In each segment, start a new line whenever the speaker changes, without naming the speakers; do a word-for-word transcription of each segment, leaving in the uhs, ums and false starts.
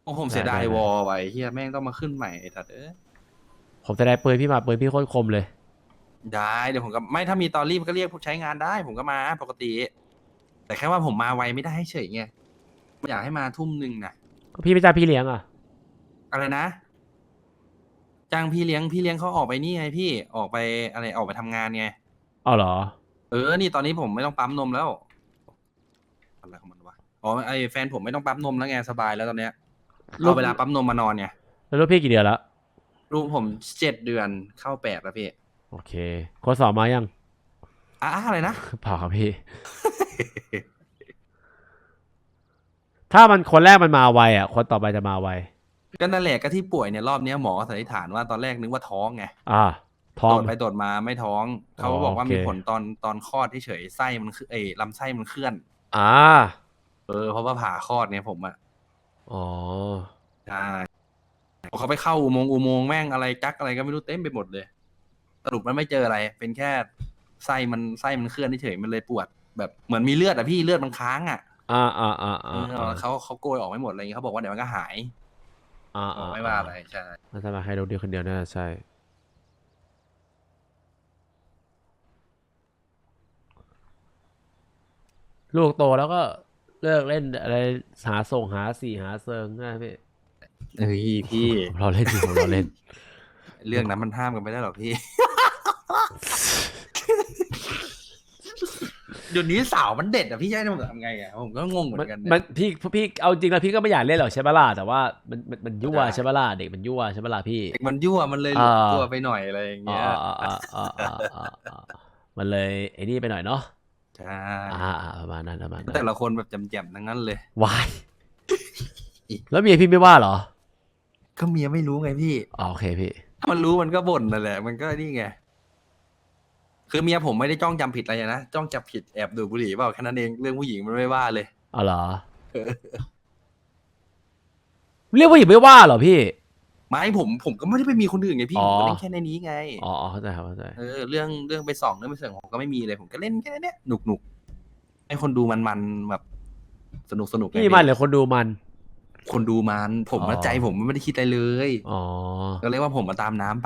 ผมเสียดายวอลไว้เฮียแม่งต้องมาขึ้นใหม่ไอ้สัตว์เอ้ย
ผมจะได้ปืนพี่มาปืนพี่โคตรคมเลย
ได้เดี๋ยวผมก็ไม่ถ้ามีตอรี่มันก็เรียกใช้งานได้ผมก็มาปกติแต่แค่ว่าผมมาไวไม่ได้เฉยไงอยากให้มาทุ่มหนึ่งนะ
พี่ไม่จ้างพี่เลี้ยงอ่ะ
อะไรนะจ้างพี่เลี้ยงพี่เลี้ยงเขาออกไปนี่ไงพี่ออกไปอะไรออกไปทำงานไง
อ๋อเหรอ
เออนี่ตอนนี้ผมไม่ต้องปั๊มนมแล้วอะไรของมันวะอ๋อไอแฟนผมไม่ต้องปั๊มนมแล้วไงสบายแล้วตอนเนี้ย
ลู
เอา
ก
เวลาปั๊มนมมานอนไง
แล้วลูกพี่กี่เดือนแล้ว
ลูกผมเจ็ดเดือนเข้าแปดแล้วพี่
โอเคคนสอบมายัง
อ่ะอะไรนะ
เปล่าครับพี่ ถ้ามันคนแรกมันมาไวอ่ะคนต่อไปจะมาไว
ก็นั่นแหละก็ที่ป่วยเนี่ยรอบนี้หมอสันนิษฐานว่าตอนแรกนึกว่าท้องไง
อ่าท้อง
ตรวจไปตรวจมาไม่ท้อง
อ๋อ
เขาก็บอก
โอเค
ว่ามีผลตอนตอนคลอดที่เฉยไส้มันคือเอยลำไส้มันเคลื่อน
อ่า
เออเพราะว่าผ่าคลอดเนี่ยผมอ่ะ
อ๋อ
ใช่เขาไปเข้าอุโมงค์อุโมงค์แม่งอะไรจักอะไรก็ไม่รู้เต็มไปหมดเลยสรุปมันไม่เจออะไรเป็นแค่ไส้มันไส้มันเคลื่อนเฉยมันเลยปวดแบบเหมือนมีเลือดอ่ะพี่เลือดมันค้างอ่ะ
อ่าอ่าอ่า
เอ
อ่าอ่า
อเขาเขาโกยออกไม่หมดอะไรอย่างเงี้ยเขาบอกว่าเดี๋ยวมันก็หาย
อ่า
บอก
อ่า
ไม่ว่าอะไรใช่
น่าจะมาให้ลูกเดียวคนเดียวน่าจะใช่ลูกโตแล้วก็เลิกเล่นอะไรหาส่งหาสี่หาเซิงนะพี่
เฮ้ยพี่
ผมเราเล่นอยู่ผมเราเล่น
เรื่องนั้นมันห้ามกันไม่ได้หรอกพี่ เดี๋ยวนี้สาวมันเด็ดอ่ะพี่จะให้ผมทำไงอ่ะผมก็งงเหมือ
มัน
นกัน
มั
เนี่ย
นพี่พี่เอาจริงแล้วพี่ก็ไม่อยากเล่นหรอกใช่ปะล่ะแต่ว่ามันมันมันยั่ว
ได้
ใช่ปะล่ะเด็กมันยั่วใช่ปะล่ะพี่
เด็กมันยั่วมันเลยห
อ่า
ลุดตัวไปหน่อยอะไรอย่าง
อ่า
เงี้ย
อ่าอ่าอ่าอ่าอ่าอ่ามันเลยไอ้นี่ไปหน่อยเนาะ
ใช่
อ่าอ่าประมาณนั้นประมาณนั้น
แต่ละคนแบบจำๆทั้งนั้นเลยว
ายแล้วเมียพี่ไม่ว่าเหรอ
ก็เมียไม่รู้ไงพี่
อ๋อโอเคพี่
ถ้ามันรู้มันก็บ่นนั่นแหละมันก็นี่ไงคือเมียผมไม่ได้จ้องจำผิดอะไรนะจ้องจับผิดแอบดูดบุหรี่เปล่าแค่นั้นเองเรื่องผู้หญิงมันไม่ว่าเลย
อ๋อเหรอเรียกว่าหญิงไม่ว่าเหรอพี่
ไม่ผมผมก็ไม่ได้ไปมีคนอื่นไงพี่
อ๋อ
ผมก็เล่นแค่ในนี้ไง
อ๋ออ๋อเข้าใจครับเข้าใจ
เออเรื่องเรื่องไปส่องเรื่องไปเสริมผมก็ไม่มีเลยผมก็เล่นแค่เนี้ยหนุกหนุกให้คนดูมันมันแบบสนุกสนุกไง
พี่มั
พี่
นหรือคนดูมัน
คนดูมันผม
อ๋อ
มาใจผมไม่ได้คิดอะไรเลย
อ๋อ
ก็เรียกว่าผมมาตามน้ำไป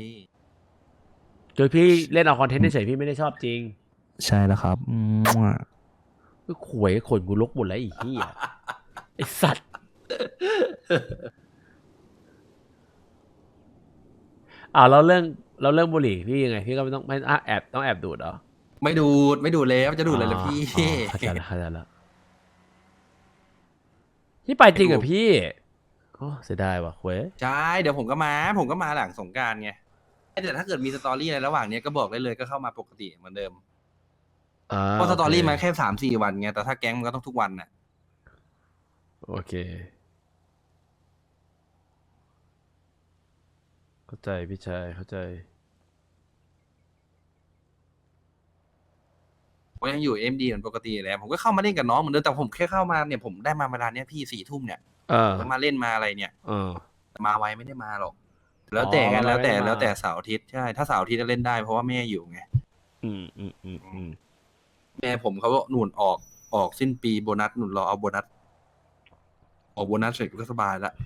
คือพี่เล่นเอาคอนเทนต์เฉยๆพี่ไม่ได้ชอบจริง
ใช่แล้วครับอืม
ก็ขวยขนกูลกหมดแล้วไอ้เหี้ยไอ้สัตว์อ่าเราเรื่องเราเรื่องบุหรี่พี่ยังไงพี่ก็ไม่ต้องไม่อ่ะแอบต้องแอบดูดเหรอ
ไม่ดูดไม่ดูดแล้วจะดู
อ๋อ
ดเลยเหรอพี่
อ๋อเข้าใจแล้วเข้าใจแล้วพี่ไป
ไม่ดู
จริงกับพี่โอ้เสียดายว่ะขวย
ใช่เดี๋ยวผมก็มาผมก็มาหลังสงกรานต์ไงแต่ถ้าเกิดมีสตอรี่อะไรระหว่างเนี้ยก็บอกได้เลยก็เข้ามาปกติเหมือนเดิม
อ่า
เพราะส
โอเค
ตอรี่มาแค่สามสี่วันไงแต่ถ้าแก๊งมันก็ต้องทุกวันน่ะ
โอเคเข้าใจพี่ชายเข้าใจ
ผมยังอยู่เอ็มดีเหมือนปกติแหละผมก็เข้ามาเล่นกับน้องเหมือนเดิมแต่ผมแค่เข้ามาเนี่ยผมได้มาเวลาเนี้ยพี่สี่ทุ่มเนี่ย
เออ
ผมก็มาเล่นมาอะไรเนี่ย
เออ
แต่มาไวไม่ได้มาหรอกแล้
อ๋อ
วแต่กัน
เรา
แล้วแต่
ไม่ได้มา
แล้วแต่เสาร์อาทิตย์ใช่ถ้าเสาร์อาทิตย์จะเล่นได้เพราะว่าแม่อยู่ไง
อืมอืมอืมอืม
แม่ผมเขาก็หนุนออกออกสิ้นปีโบนัสหนุนรอเอาโบนัสออกโบนัสเสร็จก็สบายละ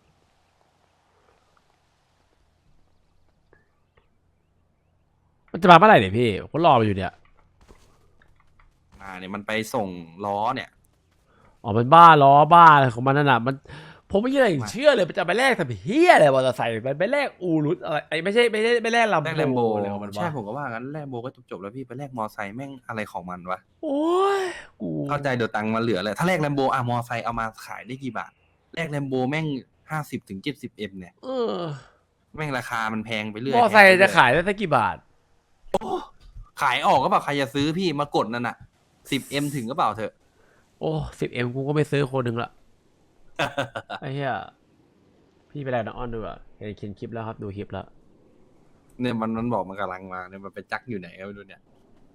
มันจะมาเมื่อไหร่เนี่ยพี่ผมก็รอไปอยู่เนี่ย
มาเนี่ยมันไปส่งล้อเนี่ย
อ๋อมันบ้าล้อบ้าอะไรของมันนั่นน่ะมันผมไม่ยัง
มา
เชื่อเลยมันจะไปแลกทำเฮียอะไรมอเตอร์ไซค์มันไปแลกอูรุตอะไรไอ้ไม่ใช่ไม่ใช่ไม่แลกลัม
แลก
โบ
แลมโบเลย
มัน
ใช่
วะ
ผมก็ว่างั้นแลมโบก็จบๆแล้วพี่ไปแลกมอไซค์แม่งอะไรของมันวะ
โอ้ยกู
เข้าใจเดี๋ยวตังค์มาเหลือเลยถ้าแลกแลมโบอะมอไซค์เอามาขายได้กี่บาทแลกแลมโบแม่งห้าสิบถึงเจ็ดสิบเอ็มเนี่ย
เออ
แม่งราคามันแพงไปเรื่อ
มอ
ยแพงไปเรื่อย
ไซค์จะขายได้สักกี่บาท
ขายออกก็เปล่าใครจะซื้อพี่มากดนั่นน่ะสิบเอ็มถึงก็เปล่าเถอะ
โอ้สิบเอ็มกูก็ไม่ซื้อคนหนึ่งละไอ้เหี้ยพี่ไปแล้วนะออนดูอ่ะเห็นเขียนคลิปแล้วครับดูคลิปแล้ว
เนี่ยมันมันบอกมันกำลังมาเนี่ยมันไปจักอยู่ไหนก็ไม่รู้เนี่ย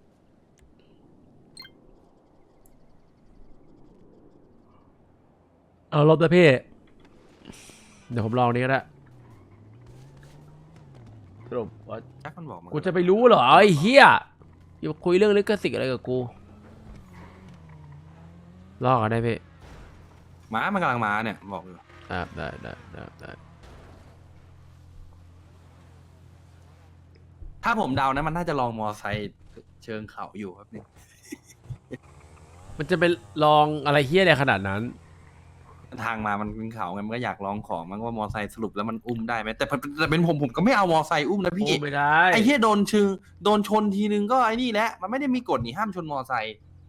เอาลบนะพี่เดี๋ยวผมลองนี้ก็ได้สรุปว่า
จักมันบอกมัน
กูจะไปรู้เหรอไอ้เหี้ยอย่าคุยเรื่องลิขสิทธิ์อะไรกับกูลอกกันได้พี่
ม้ามันกำลังมาเนี่ยบอกอยู่
เได้ได้ได้ได้ได้
ถ้าผมเดานะมันน่าจะลองมอไซค์เชิงเขาอยู่ครับเนี่ย
มันจะไปลองอะไรเฮี้ยอะไรขนาดนั้น
ทางมามันเป็นเขาไงมันก็อยากลองของมันว่ามอไซค์สรุปแล้วมันอุ้มได้ไหมแต่แต่แต่เป็นผมผมก็ไม่เอามอไซค์อุ้มนะพี่
โอ้ไม่ได้
ไอ้เหี้ยโดนชึงโดนชนทีนึงก็ไอ้นี่แหละมันไม่ได้มีกฎนี่ห้ามชนมอไซค์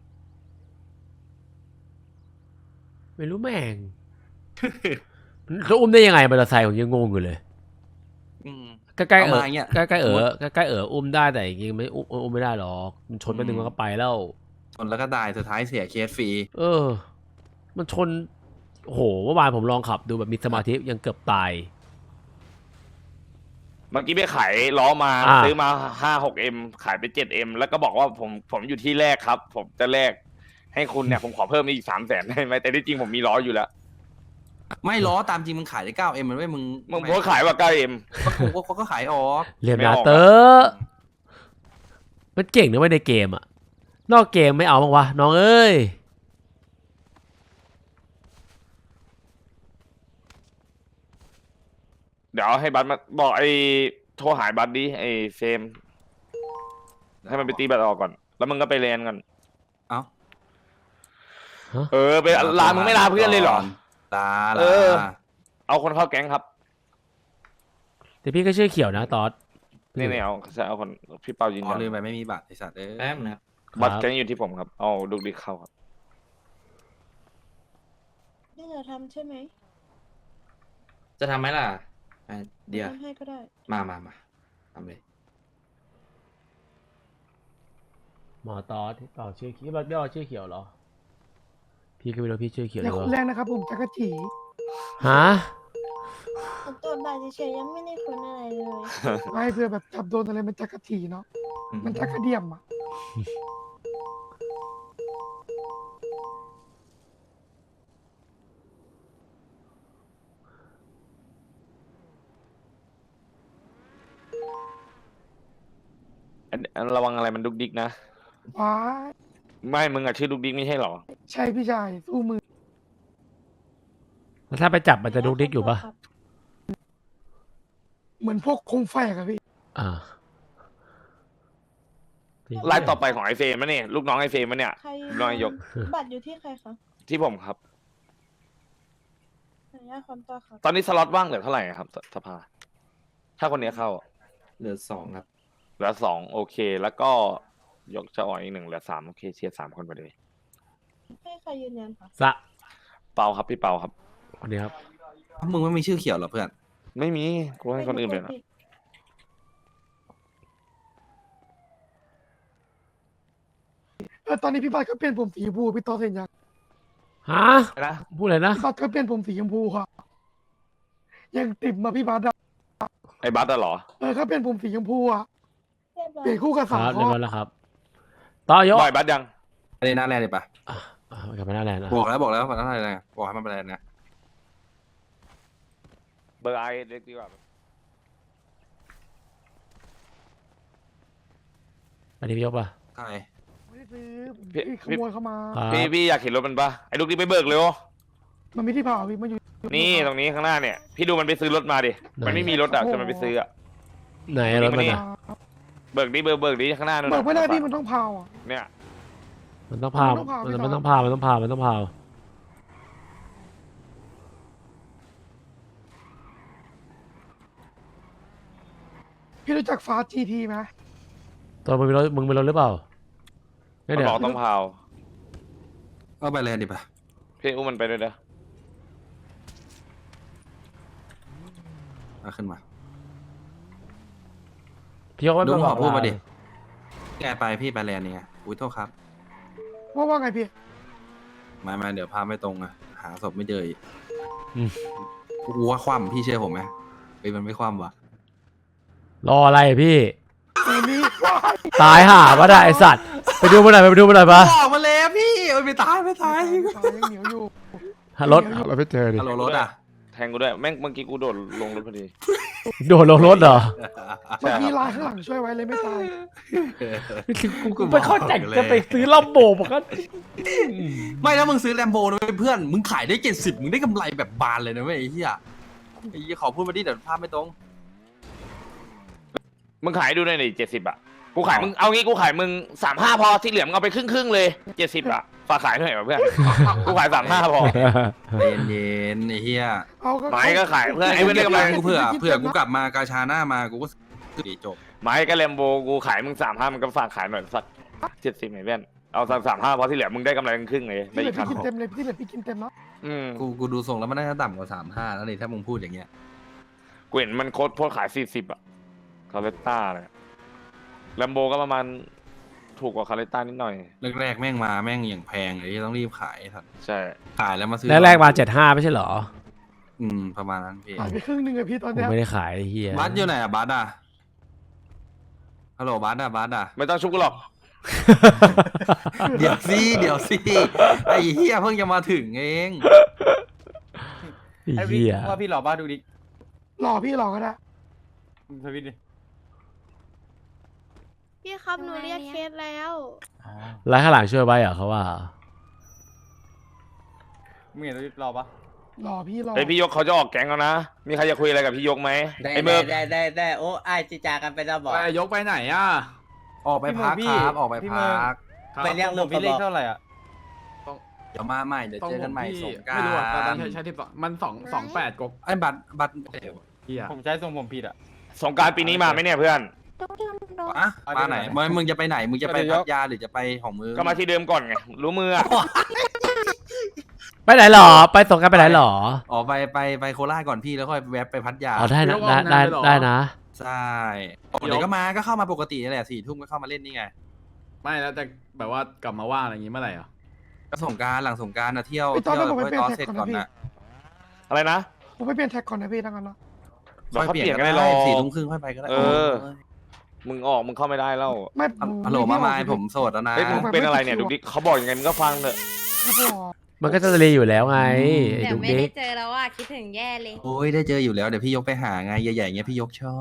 ไม่รู้แม่ง เขาอุ้มได้ยังไงมอเตอร์ไซค์ผมยังงงอยู่เลย
อืม
ใกล้ๆเอ
เอา
อ
มาอย่างเงี้ย
ใกล้ๆเออใกล้ๆเอออุ้มได้แต่จริงๆไม่อุ้มอุ้มไม่ได้หรอกมันชนไปหนึ่งมันก็ไปแล้ว
ชนแล้วก็ตายสุดท้ายเสียเคสฟรี
เออ มันชนโอ้โหเมื่อวานผมลองขับดูแบบมีสมาธิยังเกือบตาย
เมื่อกี้ไปขายล้อมา
อ่า
ซื้อมาห้าหกเอ็มขายไปเจ็ดเอ็มแล้วก็บอกว่าผมผมอยู่ที่แรกครับ ผมจะแลกให้คุณเนี่ย ผมขอเพิ่มอีกสามแสนได้ไหมแต่ที่จริงผมมีล้ออยู่แล้ว
ไม่ล้อตามจริงมึงขายได้เก้าเอ็มมันไม่มึง
มึงโพสต์ขายว่าเก้าเอ็ม
ก็กูก็เขาก็ขายออก
เรียน
ไม่
นา
ออก
เตอร์มันเก่งนะเว้ยในเกมอะนอกเกมไม่เอาบ้างวะน้องเอ้ย
เดี๋ยวให้บัตรมาบอกไอ้โทรหายบัตรดิไอ้เฟรมให้มันไปตีบัตรออกก่อน แล้วมึงก็ไปเรียนกัน
เอ้า
เออไปลามึงไม่ลาเพื่อนเลยเหรอ
ลา
เอ
ลา
อ เอาคนเข้าแก๊งครับ
แต่พี่ก็ชื่อเขียวนะตอด
นี่นี่เอาเอาคนพี่เปายืน
อ๋อ
ยัน
ลืมไปไม่มีบัตรไอสัตว์เอ้ย
แป๊บนะครับ
บัตรแก๊งอยู่ที่ผมครับเอาดุกดิกเข้าครับ
นี่จะทำใช่ไหม
จะทำไหมล่ะอ่ะเดี๋ยว
ทำให้ก็ได้
มามามาทำเลย
หมอตอดที่ต่อชื่อเขียวย่อชื่อเขียวเหรอ พี่ก็ไม่รู้พี่ชื่อเขียว
อ
เล
ย่าย
วะ
คนแรกนะครับผมจักรจี
ฮะ
ผมตรวจบัตรเฉยๆยังไม่ได้ค้นอะไรเลย
ไม่เพื่อแบบจับโดนอะไรมันจักรจีเนาะ
อืม
มันจักรเดียมอ่ะ
อันอันระวังอะไรมันดุกดิกนะ
ว้าย
ไม่มึงอะชื่อดุกดิกไม่ใช่เหรอ
ใช่พี่ชายสู้มือ
แล้วถ้าไปจับมันจะดุกดิกอยู่ปะ
ครับ
เหมือนพวกคงแฝกอะพี่
อ่า
ไลฟ์ต่อไปของไอเฟรมมะเนี่ยลูกน้องไอเฟรมมะเนี่ย
ใคร
ลูกน้องนายก
บัตรอยู่ที่ใครคะ
ที่ผมครับ
ขออนุญาตคอนต่อครับ
ตอนนี้สล็อตว่างเหลือเท่าไหร่ครับสสภา ถ้าคนนี้เข้า
เหลือสองครับ
เหลือสองโอเค แล้วก็ยกจะอ่อยอีกหนึ่งเหลือสามโอเคเชียร์สามคนไปเลย
ให้ใครยืนยันคะ
สะ
เปาครับพี่เปาครับ
คนนี้ครับ
มึงไม่มีชื่อเขียวเหรอเพื่อน
ไม่มีกูให้คนอื่นไปนะ
ผิด
เออตอนนี้พี่บัตรก็เปลี่ยนผมสีชมพูพี่ต่อเห็นยัง
ฮะ
นะ
พูดอะไรนะ
พี่บัตรก็เปลี่ยนผมสีชมพูค่ะ ยังติดมาพี่บัตรอะ
ไอ้บัสอะเหรอ
เออเขาเปลี่ยนผมสีชมพูอะ
เรียบร้อ
เปลี่ย
ย
นคู่กับ
ครั
สาว
บเรียบ
ข้อ
ร้อยแล้วครับ ต่อยก
บ่อยบัสยัง
ไปเลยหน้าแรกเลยปะ
อ่ะอ่ะกลับมาหน้าแลนด์อ่ะ
บอกแล้วบอกแล้วบอกแล้วอะไรนะบอกให้มันไปเลยนะ
เบอร์ไอเล็กดีกว่า
อันนี้พี่ยกป่ะ
ใช่
ไม่ได้ซื้อผม
พี่
พี่ขโมยเข้ามา
ครับ
พี่พี่อยากเห็นรถมันปะไอ้ลูกดิกไปเบิกเร็ว
มันไม่ที่เผาพี่มันอยู่
นี่ตรงนี้ข้างหน้าเนี่ย พี่ดูมันไปซื้อรถมาดิ มันไม่มีรถอะแต่มันไปซื้ออะ
ไหนรถมัน
นี่
อ่ะ
เบิกดิเบิกเบิกดิข้างหน้านู่น
เบิ
น่ะ
กไม่ได้พี่มันต้องเผาอะ
เนี่ย
มันต้องพา
มันต้องพา
มัน
พี่
มัน
ต่อ
ต้องพามันต้องพามันต้องพา
พี่รู้จักฟ้าจีทีไหม
ตัวมึงมีรถมึงมีรถหรือเปล่าไม่
มัน
เดี๋ย
บ
ว
อกต้องพาว
ก็ไปเลยดิปะ
พี่อุ้มมันไปด้วยเด้อ
เอาขึ้นมา
พี่ยกไว้
ลุง
บ
ข
อ
อก พูดมาดิแกไปพี่ไปแลนด์นี่ไงอุ้ยโทษครับ
ว่าว่าไงพี่
มามาเดี๋ยวพาไม่ตรงอะหาศพไม่เจออีก
อืม
กูว่าคว่ำพี่เชื่อผมไหมเฮ้ยมันไม่คว่ำว่ะ
รออะไรพี่
เออนี่ว้าย
ตายห่าปะได้ไอสัตว์ไปดูมันหน่อยไปดูมันหน่อยปะ
ออกมาแล้วพี่โอ้ยไม่ตายไม่ตาย
ฟ้ายังเหนียวอยู่
หารถหารถไม่เจอดิ
ฮัลโหลรถอ่ะ
แทงกูด้วยแม่งเมื่อกี้กูโดดลงรถพอดี
โดดลงรถเหรอ
เมื่อกี้ลายข้างหลังช่วยไว้เลยไม่ตาย
กูกูไม่เข้าใจจะไปซื้อลำโบมันก็
ไม่แล้วมึงซื้อแลมโบนะเพื่อนมึงขายได้เจ็ดสิบมึงได้กำไรแบบบานเลยนะเว้ยไอ้เหี้ยไอ้เหี้ยขอพูดมาดิเดี๋ยวภาพไม่ตรง
มึงขายดูหน่อยดิเจ็ดสิบอ่ะกูขายมึงเอางี้กูขายมึงสามห้าพอที่เหลือมึงเอาไปครึ่งครึ่งๆเลยเจ็ดสิบอ่ะฝากขายหน่อยว่ะเพื่อนกูขายสามห้าพอ
เย็นเย็นๆไอ้เหี้ย
เอาก็
ไม้ก็ขายเพื่อนไอ้ไม่ได้กำไร
กูเผื่อเผื่อกูกลับมากาชาหน้ามากูก็ซื้อจบ
ไม้ก็แลมโบกูขายมึงสามห้ามึงก็ฝากขายหน่อยสักเจ็ดสิบหน่อยเพื่อนเอาสักสามห้าพอที่เหลือมึงได้กำไรครึ่งๆเลยได้
พี่เหลื
อี
อก
คัน
พี่กินเต็มเลยพี่เหลือพี่กินเต็มเนาะ
อืม
กูกูดูทรงแล้วมันน่าจะต่ำกว่าสามห้าแล้วนี่ถ้ามึงพูดอย่างเงี้ย
กูเห็นมันโค้ดโพสต์ขายสี่สิบอ่ะคาเรต้าเลยแลมโบก็ประมาณถูกกว่าคาเรต้านิดหน่อย
แรกๆแม่งมาแม่งอย่างแพงเลยที่ต้องรีบขายสัตว์
ใช่
ขายแล้วมาซื้อ
แรกๆมาเจ็ดห้าไม่ใช่เหรอ
อืมประมาณนั้นพี่
หายไปครึ่งหนึงเลยพี่ตอน
กู
เนี้ย
ไม่ได้ขายไอ้เฮีย
บัสอยู่ไหนอะบัสอะฮัลโหลบัสอะบัสอะ
ไม่ต้องชุบกูหรอก
เดี๋ยวสิเดี๋ยวสิไอ้เหี้ยเพิ่งจะมาถึงเอง
ไอ้เฮีย
ว่าพี่หล่อบ้าดูดิ
หล่อพี่หล่อก็ได้
ทวิตดิ
พี่ครับหนูเรียกเคสแล้ว
แล้วข้างหลังช่วยไว้เหรอเขาว่า
มึงเห็นทวิตหล่อปะ
หล่อพี่หล่อ
ไอพี่ยกเขาจะออกแก๊งแล้วนะ มีใครจะคุยอะไรกับพี่ยกไหม
ได้
ไอเบิร์ก
ได้ได้ได้โอ้ไอายจิจากันไปแล้วบอก
ไปยกไปไหนอ่ะ
ออกไปพัก
พี่
ครับออกไป
พี่
พั
เมือง
ก
ไปเรียก
ผ
ลู
ม
ก
พี่เลข
เขาบอก
เท่าไหร่อ่ะ
เดี๋ยวมาใหม่เดี๋ยวเจอกันใหม่สงกราร
ไม่รู้อ่ะตอนนั้นใช้ใช้ที่สองมันสองสองแปดกบ
ไอ้บัตรบัตรเอ๋ว
เฮีย
ผมใช้ทรงผมผิดอ่ะ
สงกรารปีนี้มาไหมเนี่ยเพื่อน
อะ
เอา
มาไหน
เดี๋ยว
มึงมึงจะไปไหนมึงจะไป
เดี๋ยว
พัทยาหรือจะไปของมึง
ก็มาที่เดิมก่อนไง รู้มืออะ
ไปไหนหรอ ไปสงกรารไปไหนหรอ
อ๋อไปไปไปโคราชก่อนพี่แล้วค่อยแวะไปพัทยา
อ๋อได้นะได้ได้ได้นะ
ใช่อ๋อเดี๋ยวก็มาก็เข้ามาปกตินี่แหละสี่ทุ่มก็เข้ามาเล่นนี่ไง
ไม่แล้วแต่แบบว่ากลับมาว่างอะไรอย่างงี้เมื่อไหร่อ่ะ
ก็สงกรารหลังสงกรารนะเที่ยว
ไปตอน
เที่ยว
นั้นผมไป
ค่อย
เปลี่ย
ตอน
น
เสร็
แท็
จ
กก่อน
ก่อน
นะพี่
นะ
อะไรนะ
ผมไปเปลี่ยนแท็กก่อนนะพี่ทั้งนั้นเนาะ
เดี๋ยวเขาเปลี่ยนกัน
ได้
ได้รอ
สี่ทุ่มครึ่งค่อยไปก็ได้
เออ มึงออกมึงเข้าไม่ได้แล้ว
ไม่
ฮัลโหลมาไมายผมโสดแล้วนะ
เฮ้ยมึงเป็นอะไรเนี่ยดูดิเขาบอกยังไงมึงก็ฟังเถอะ
ครับผม
มันก็จะรีอยู่แล้วไงไอ้
แต่
ดุ๊ก
ไม่
ดิ๊
ได้
ก
เจอแล้วอ่ะคิดถึงแย่เลย
โอ้ยได้เจออยู่แล้วเดี๋ยวพี่ยกไปหาไงใหญ่ๆเงี้ยพี่ยกชอบ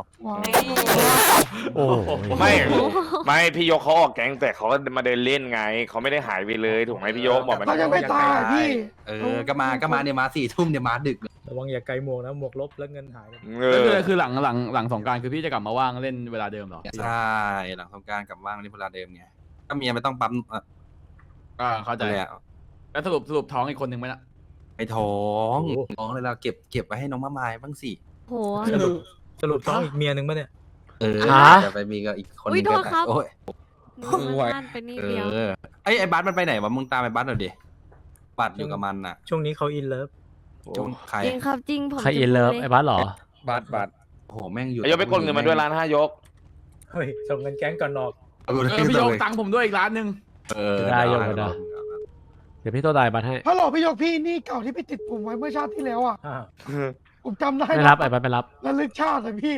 ว้าว
โอ้โห
ไม่ ไม่พี่ยกเขาออกแก๊งแต่เขาก็มาเดินเล่นไง เขาไม่ได้หายไปเลยถูกไหมพี่ยกบอกมัน
เขายังไม่ตายอะพี่
เออก็มาก็มาเนี่ยมาสี่ทุ่มเนี่ยมาดึกเลย
ระวังอย่าไกลหมวกนะหมวกลบแล้วเงินหาย
เอ
ก็
อ
คือคือหลังหลังหลังสงกรารคือพี่จะกลับมาว่างเล่นเวลาเดิมเหรอ
ใช่หลังสงกรารกลับว่างนี่เวลาเดิมไงก็เมียไม่ต้องปั๊มเอ่อ
อ่าเข้าใจ
อะไรอะ
แล้วสรุปสรุปท้องอีกคนหนึ่งไหมล่ะ
ไอ้ท้องท้องเลยเราเก็บเก็บไว้ให้น้องมะมายบ้างสิ
โห
สรุปสรุปท้องอีกเมียหนึ่งปะเนี่ย
เออ
ฮะ
จะไปมีกับอีกคน
อุ๊ย
นึงก็
โทษครับ
โอ้ย
หนูมาบ้านไปนี่
เอ
เดียว
อไอ้ไอ้บัสมันไปไหนวะมึงตามไอ้บัสหน่อยดิบัสอยู่กับมันน่ะ
ช่วงนี้เขาอินเลิฟ
จงใคร
จริงครับจริงผม
ใครอินเลิฟไอ้บ้านหรอ
บัตรบัตร
โอ้โหแม่งอยู่
ไอ้ยกไปกดเงินมาด้วยล้านห้ายก
เฮ้ย ส่งเงินแก๊งก่อนนอก
เออ
เออพี่ยกตังค์ผมด้วยอีกล้านหนึ่ง
เออ
ได้ยกไปได้ เดี๋ยวพี่ตัวตายบัตรให้
ฮัลโหลพี่ยกพี่นี่เก่าที่ไปติดผมไว้เมื่อชาติที่แล้วอ่ะ
อ้าว
ผมจำได้
ไม่รับไอ้บัตรไม่รับ
ระลึกชาติเลยพี่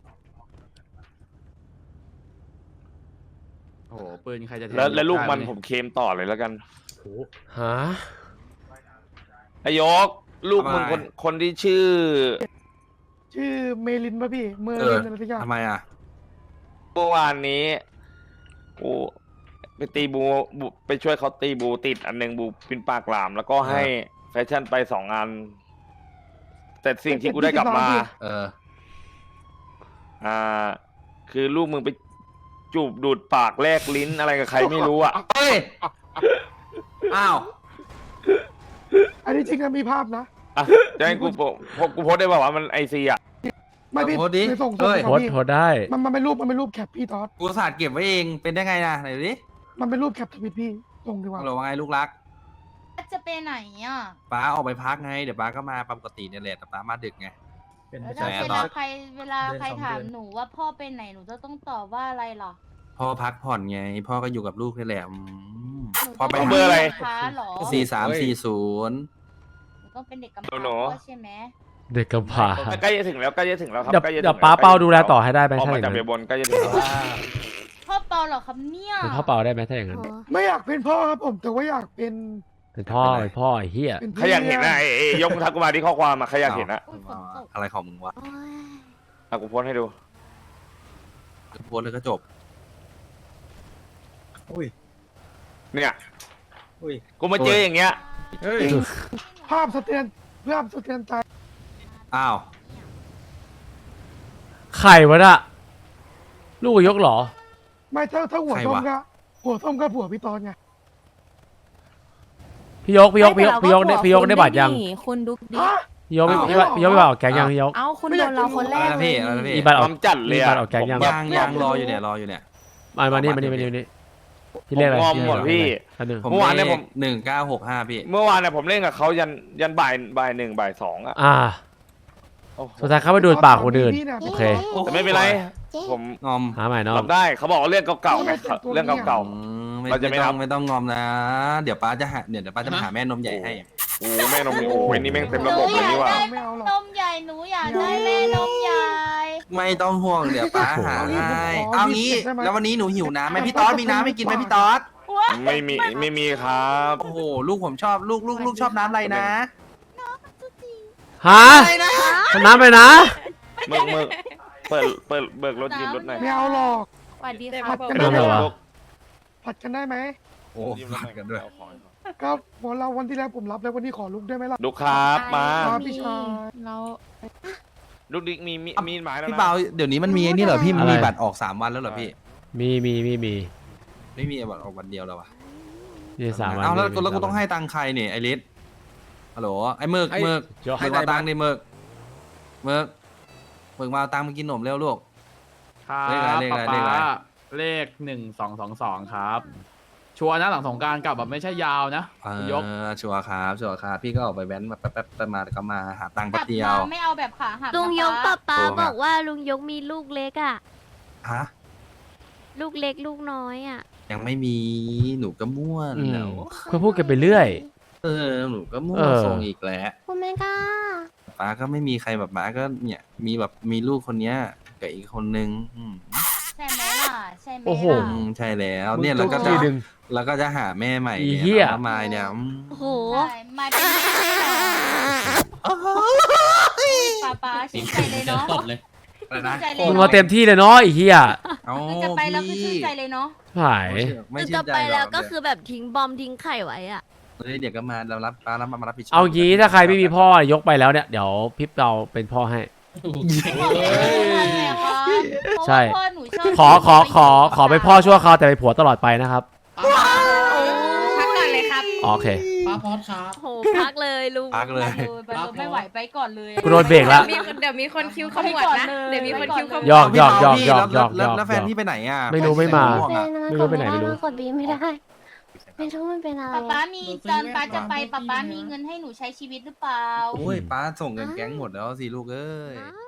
โอ้โหปืนใครจะท
แล้วแล้วลูกมัน
ได้ไห
ผมเคลมต่อเลยแล้วกัน
ฮะ
ไอ้ยก ลูกมึงคนคนที่ชื่อ
ชื่อเมลินป่ะพี่เมอ
เอ
ลิ
อน
อะไรสักอย่าง
ทำไมอ่ะ
เมื่อวานนี้กูไปตีบูบูไปช่วยเขาตีบูติดอันหนึ่งบูปินปากหลาม แล้วก็ให้แฟชั่นไปสองอัน แต่สิ่งที่กูได้กลับมา
เออ
อ่า คือลูกมึงไปจูบดูดปากแลกลิ้นอะไรกับใครไม่รู้อ่ะ
เฮ้ยอ้าว
อันนี้จริงนะมีภาพนะ
อ่ะจะให้กูโพโพกูโพสได้ป่าวว่ามันไอซีอ่ะ
ไม่พี่
โพสต์ดิ
ไม่ส่ง
เอ้
ส่ง
ย
ครั
โพ
บ
สต์
พี่
โพสต์ได้
มันมันเป็นรูปมันเป็นรูปแคปพี่ตอส
กูสาดเก็บไว้เองเป็นได้ไงนะไหนดูดิ
มันเป็นรูปแคปทวิตพี่ส่งดีกว่า
ฮัลโหลว่าไงลูกรัก
จะไปไหนอ่ะ
ป้าออกไปพักไงเดี๋ยวป้าก็มาปกติเนี่ยแหละแต่ป้ามาดึกไง
เป็น
แล้ว
ใช่
เว
ตอ
ลาน ใครเวลา
เดือน
ใคร
สอง
ถาม
เดือน
หนูว่าพ่อไปไหนหนูจะต้องตอบว่าอะไรหรอ
พ่อพักผ่อนไง พ่อก็อยู่กับลูกนี่แหละอืม
หนู
พ่อไป
ต้ง
เบอร์อะไร
ด็กกำพร้าเหรอ
สี่สามสี่ศูนย์
หนูต้องเป็นเด็กกำพร้า
หนู
ด้วยใช่ไหม
เด็กกำพร้า
ใกล้จะถึงแล้วใกล้จะถึงแล้วครับ
เดี๋ยว
ใกล้จะถึง
เดี๋ยว
แล้ว
ป้าเปาดูแลต่อให้ได้ไหม
ออก
ถ้าอ
มา
ย่าง
จาก
นั้น
เบียร์บนใกล้จะถึงแล้ว
พ่อเปาเหรอครับเนี่ย
เป็นพ่อเปาได้ไหมถ้าอย่างนั้น
อ๋อ
ไม่อยากเป็นพ่อครับผมแต่ว่าอยากเป็น
เป็นพ่อเป็นพ่อไอ้เหี้ย
เป็น
ใครอยากเห็นนะไอ้ไอ้ยกมือทักกูมาที่ข้อความมาใครอยากเห็นนะ
อุ๊ยฝนตก
อะไรของมึงวะ
โอ๊ย
อ่ะกูโพสต์ให้ดู
โพสต์เลยก็จบ
อุ้ย
เนี่ย
อุ้ย
กูมาเจออย่างเงี้ย
เฮ้ย
ภาพสะเทือนภาพสะเทือนใจ
อ้าว
ไข่วะน่ะลูกยกเหรอ
ไม่ถ้าถ้าหัว
ใคร
ส้ม
วะ
ก็หัวส้มก็ผัวพี่ตอนไง
พี่ยกพี่ยกพี่ยกพี่ยกได้พี่ยกได้บัตรยัง
คุณดุกดิ
ฮะ
พี่ยกไม่
อ้าว
พี่ยกพี่ยกไม่บัตรออกแก๊งยังพี่ยก
เอ้าคุณโดนเราคนแร
อะไร
ก
นะ
เล
พี่
ย
อะไรนะพี่
มีบัตรอ
ค
อก
วามจัดเลย
มี
อะ
บัตรออกแก๊งยัง
ยางยางรออยู่เนี่ยรออยู่เนี่ย
มามานี่มานี่มานี่มานี่พี่เรียกอะไร
ผมงอมหมดพี่
อันหนึ่ง
ผม
เมื่อวานเนี่ยผม
หนึ่งเก้าหกห้าพี่
เมื่อวานเนี่ยผมเล่นกับเขายันยันบ่ายบ่ายหนึ่งบ่ายสองอะ
อ่า
โอ้โห
สุดท้ายเขาไปดูดปากคนอื่น
พี่ย
โอเค
แต่ไม่เป็นไร ผม
งอม
หาใหม่น้อง
รับได้เขาบอกว่าเรื่องเก่าๆไงเรื่องเก่า
อืมไม่
เราจะไม่
ไม่ต้
รั
อบ งไม่ต้องงอมนะ เดี๋ยวป้าจะหาเดี๋ยวเดี๋ยวป้าจะมาหาแม่นมใหญ่ให้
ๆโอ้แม่นมโอ้ยนี่แม่งเต็มระบบเลยนี่หว่า
ไม่เอาหรอก
นมใหญ่หนูอยากได้แม่นมใหญ่
ไม่ต้องห่วงเดี๋ยวป้าหาให้ เอางี้แล้ววันนี้หนูหิวน้ำไหมพี่ต๊อดมีน้ำให้กินไหมพี่ต๊อด
ไม่มีไม่มีครับ
โอ้โหลูกผมชอบลูกลูกลูกชอบน้ำอะไรนะ
ฮะน้ำไปนะ
เบิกเบิกเปิดเปิดเบิกรถยืมรถหน่อย
ไม่เอาหรอก
สวัสดี
ผั
ค่ะ
ดกัน
ไม่
ได้
เอา
ไหม
เหรอ
ผัดกันได้ไหม
โอ้ฝากกันด้วย
ก็วันเราวันที่แล้วผมรับแล้ววันนี้ขอลุกได้ไหมล่ะ
ลูกครับมา
ครับพี่ชาย
เรา
ลูกดิ๊กมีมีมีหมายแล้ว
พี่
นะ
เปาเดี๋ยวนี้มันมีไอ้นี่เหรอพี่
อะไร
มีบัตรออกสามวันแล้วเหรอพี่
มีมีมีมี
ไม่มีบัตรออกวันเดียวแล้ววะ
นี่สามวัน
เอาแล้ว
มี
แล้วกู
สาม
ต้องให้ตังค์ใครเนี่ยไอริสฮัลโหลไอเมิก
ไอ้
เมิก
ยก
เมิกมาตังค์ดิเมิกเมิกเมิกมาเอาตังค์มากินขนมเร็วลูก
ครับ
เลขอะไรเลขอะไร
ป๊า
เลขอะไร
ป๊าเลขหนึ่งสองสองสองครับ ชัวร์นะหลังสงกรารกลับแบบไม่ใช่ยาวนะ
เออย
ก
ชัวร์ครับชัวร์ครับพี่ก็ออกไปแว้นมาแป๊บแป๊บแป๊บมาแล้วก็มาหาตังค์แป๊บเดียว
ไม่เอาแบบขาหัก
ลุงยกป้าป้า
โอ้ครับ
บอกว่าลุงยกมีลูกเล็กอ่ะ
ฮะ
ลูกเล็กลูกน้อยอ่ะ
ยังไม่มีหนูก็ม่วน
อืม
แล้ว
เพื่อพูดกันไปเรื่อย
เออหนูก็ม่ว
เอน อ
ส่งอีกแล้ว
คุณแม่ก้า
ป้าก็ไม่มีใครแบบป้าก็เนี่ยมีแบบมีลูกคนเนี้ยกับอีกคนนึงอืม
ใช่ไหมล่ะใช่ไหม
โอ้โห
อืมใช่แล้วเนี่ยแล้วก็จะ
ทีหนึ่ง
แล้วก็จะหาแม่ใหม่
อี
เนี่ย
เหี้ย
แล้วมายเนี่ยอืม
โอ้โห
ใช่มาเป็นป้าป้าชื่นใจเลยเนาะ
อะไรนะ
ชื่นใจเลย
มึง
เนาะ
มาเต็มที่เลยเนาะไอ้เหี้ย
เอา
คือจะไปแล้วคือชื่น
พี่
ใจเลยเนาะ
หาย
ไม่
คือ
ชื่
จะ
นใจ
ไป
หร
แล้ว
อก
ก็คือแบบทิ้งบอมทิ้งไข่ไว้อ่ะ
เฮ้ยเดี๋ยวก็มาเรารับป้ารับมารับผิดชอบ
เอางี้ถ้าใครไม่มีพ่อยกไปแล้วเนี่ยเดี๋ยวพี่เราเป็นพ่อให้ ใช่
เพราะว่าพ่อหนูชอบ
ขอขอขอขอเป็นพ่อชั่วคราวแต่เป็นผัวตลอดไปนะครับ
พักก่อนเลยครับ
อ๋อโอเค
ป้าพอดครับ
โหพักเลยลุง
พักเลย
ไปเลยไม่ไหวไปก่อนเลย
กูโดนเบรกแล้ว
มีคนเดี๋ยวมีคนคิวขมวดนะ เดี๋ยวมีคนคิวขมวด
ยอกยอกยอก
พี่
ยอก
แล้ว
ยอก
แล้ว
ยอก
แล้วแฟนพี่ไปไหนอ่ะ
ไม่รู้ไม่มา
แฟนพี่
เป็น
ไม่รู้ไปไหนไม่รู้
กดบีไม่ได้ ไม่รู้มันเป็นอะไร
ป๊าป๊ามีตอนป๊าจะไปป๊าป๊ามีเงินให้หนูใช้ชีวิตหรือเปล่า
โอ้ยป้าส่งเงินแก๊งหมดแล้วสิลูกเอ้ย
อ้า